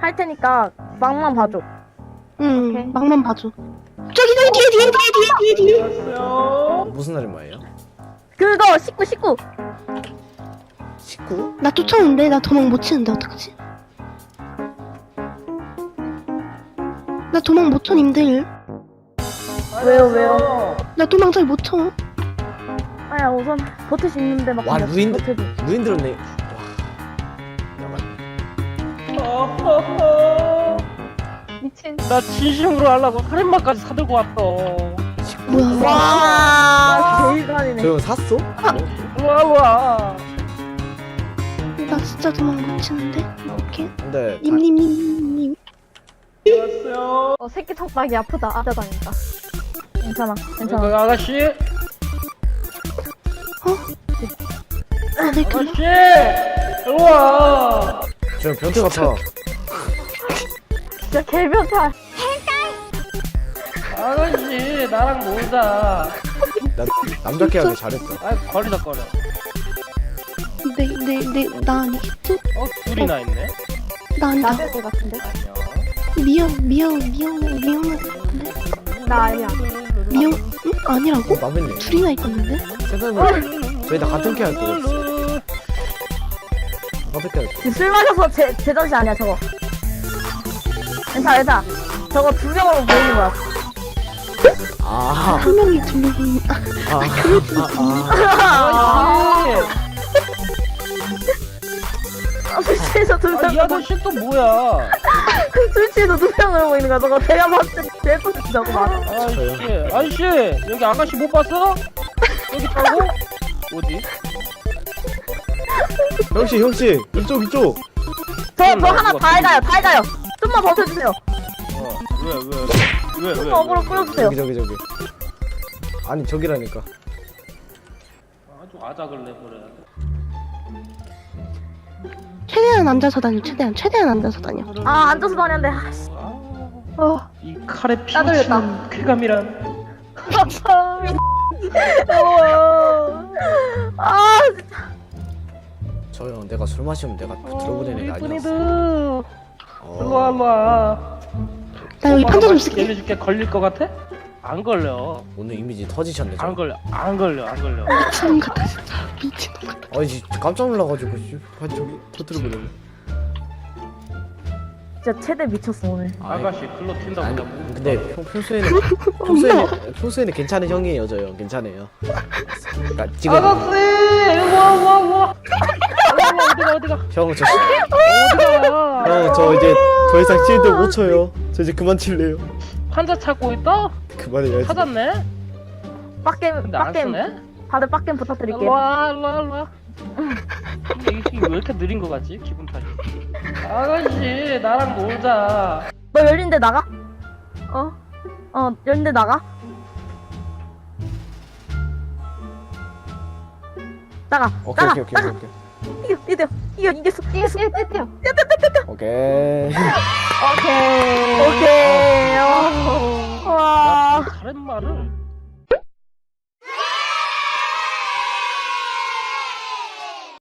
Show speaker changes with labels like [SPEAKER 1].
[SPEAKER 1] 할 테니까 막만 봐줘.
[SPEAKER 2] 응,
[SPEAKER 1] 오케이.
[SPEAKER 2] 막만 봐줘. 저기 뒤에.
[SPEAKER 3] 무슨 아줌마예요?
[SPEAKER 1] 그거 19.
[SPEAKER 3] 19?
[SPEAKER 2] 나 쫓아오는데 나 도망 못 치는데 어떡하지? 나 도망 못 쳐, 님들.
[SPEAKER 1] 왜요?
[SPEAKER 2] 나 도망 잘 못 쳐.
[SPEAKER 1] 아야 우선 버틸 수 있는데 막.
[SPEAKER 3] 와,
[SPEAKER 1] 그냥
[SPEAKER 3] 루인
[SPEAKER 1] 버텨줘.
[SPEAKER 3] 들었네. 와.
[SPEAKER 1] 미친.
[SPEAKER 4] 나 진심으로 하려고 살인마까지 사들고 왔어.
[SPEAKER 2] 뭐야?
[SPEAKER 1] 와 개이간이네.
[SPEAKER 3] 저 형 샀어?
[SPEAKER 4] 와.
[SPEAKER 2] 나 진짜 도망 못 치는데. 오케이.
[SPEAKER 3] 근데
[SPEAKER 2] 님님님님.
[SPEAKER 1] 새끼 턱박이 아프다. 아자다니까. 괜찮아.
[SPEAKER 4] 그 아가씨,
[SPEAKER 2] 아, 내 그.
[SPEAKER 4] 아가씨, 일로 와.
[SPEAKER 3] 저 형 변태 같아.
[SPEAKER 1] 진짜 개변태.
[SPEAKER 4] 아가씨, 나랑 놀자.
[SPEAKER 3] 나 남자께 하길 잘했다.
[SPEAKER 4] 아, 거리다.
[SPEAKER 2] 나 아니겠지?
[SPEAKER 4] 둘이나 있네.
[SPEAKER 2] 나 아니다.
[SPEAKER 1] 나대들 같은데?
[SPEAKER 2] 미영 같은데?
[SPEAKER 1] 나 아니야.
[SPEAKER 2] 미영? 응? 아니라고?
[SPEAKER 3] 남했네.
[SPEAKER 2] 둘이나 있었는데?
[SPEAKER 3] 생각해보면 저희 다 같은 캐할 거였어. 같은 캐할 거.
[SPEAKER 1] 술 마셔서 제정신 아니야 저거. 괜찮아. 저거 두 명으로 모이는 거야.
[SPEAKER 3] 아,
[SPEAKER 2] 한 명이 두 명이.
[SPEAKER 4] 아가씨,
[SPEAKER 1] 술취해서 두
[SPEAKER 4] 이
[SPEAKER 1] 명.
[SPEAKER 4] 아저씨 또 뭐야?
[SPEAKER 1] 술취해서 두 명으로 모이는 거야. 저거 내가 봤을 때 대포치자고 말.
[SPEAKER 4] 아저씨, 여기 아가씨 못 봤어? 여기 있다고? 어디?
[SPEAKER 3] 형씨, 이쪽.
[SPEAKER 1] 저 하나 다 해가요. 좀만 버텨주세요.
[SPEAKER 4] 왜?
[SPEAKER 1] 좀 어그로 끌어주세요.
[SPEAKER 3] 저기. 아니, 저기라니까.
[SPEAKER 4] 아주 아작을 내버려.
[SPEAKER 2] 최대한 앉아서 다녀. 최대한 앉아서 다녀.
[SPEAKER 1] 아 앉아서 다녔는데. 아씨.
[SPEAKER 4] 이 칼에
[SPEAKER 1] 따돌렸다.
[SPEAKER 4] 피묻힌 쾌감이란.
[SPEAKER 1] 아
[SPEAKER 3] 저 형 내가 술 마시면 내가 들어보낸 애가 아니었어.
[SPEAKER 4] 이쁜이들, 일로
[SPEAKER 3] 어,
[SPEAKER 4] 와.
[SPEAKER 2] 나 여기 판자 좀 쓸게.
[SPEAKER 4] 얘네줄게. 걸릴 것 같아? 안 걸려.
[SPEAKER 3] 오늘 이미지 터지셨네.
[SPEAKER 4] 안
[SPEAKER 3] 저.
[SPEAKER 4] 걸려.
[SPEAKER 2] 미친놈 같아 진짜. 미친놈 같아.
[SPEAKER 3] 아니, 깜짝 놀라가지고 저기 터뜨려버렸네.
[SPEAKER 1] 진짜 최대 미쳤어 오늘.
[SPEAKER 4] 아가씨 글로 튄다
[SPEAKER 3] 아니,
[SPEAKER 4] 보다.
[SPEAKER 3] 근데 평소에는 괜찮은 형이에요, 저 형. 괜찮아요. 그러니까 지금
[SPEAKER 4] 아가씨, 와. 어디가?
[SPEAKER 3] 형, 저
[SPEAKER 4] 어디가?
[SPEAKER 3] 형, 저 이제 더 이상 칠드 못 쳐요. 저 이제 그만 칠래요.
[SPEAKER 4] 환자 찾고 있다?
[SPEAKER 3] 그만해야지.
[SPEAKER 4] 찾았네?
[SPEAKER 1] 빡겜
[SPEAKER 4] 근데 안 쓰네?
[SPEAKER 1] 다들 빡겜
[SPEAKER 4] 일로
[SPEAKER 1] 부탁드릴게요.
[SPEAKER 4] 와. 이게 왜 이렇게 느린 거 같지? 기분 탓이. 아가씨, 나랑 놀자.
[SPEAKER 1] 너 열린데 나가? 열린데 나가? 나가.
[SPEAKER 3] 오케이.
[SPEAKER 1] 이겼어.
[SPEAKER 3] 오케이.
[SPEAKER 1] 오케이. 와.
[SPEAKER 4] 다른 말을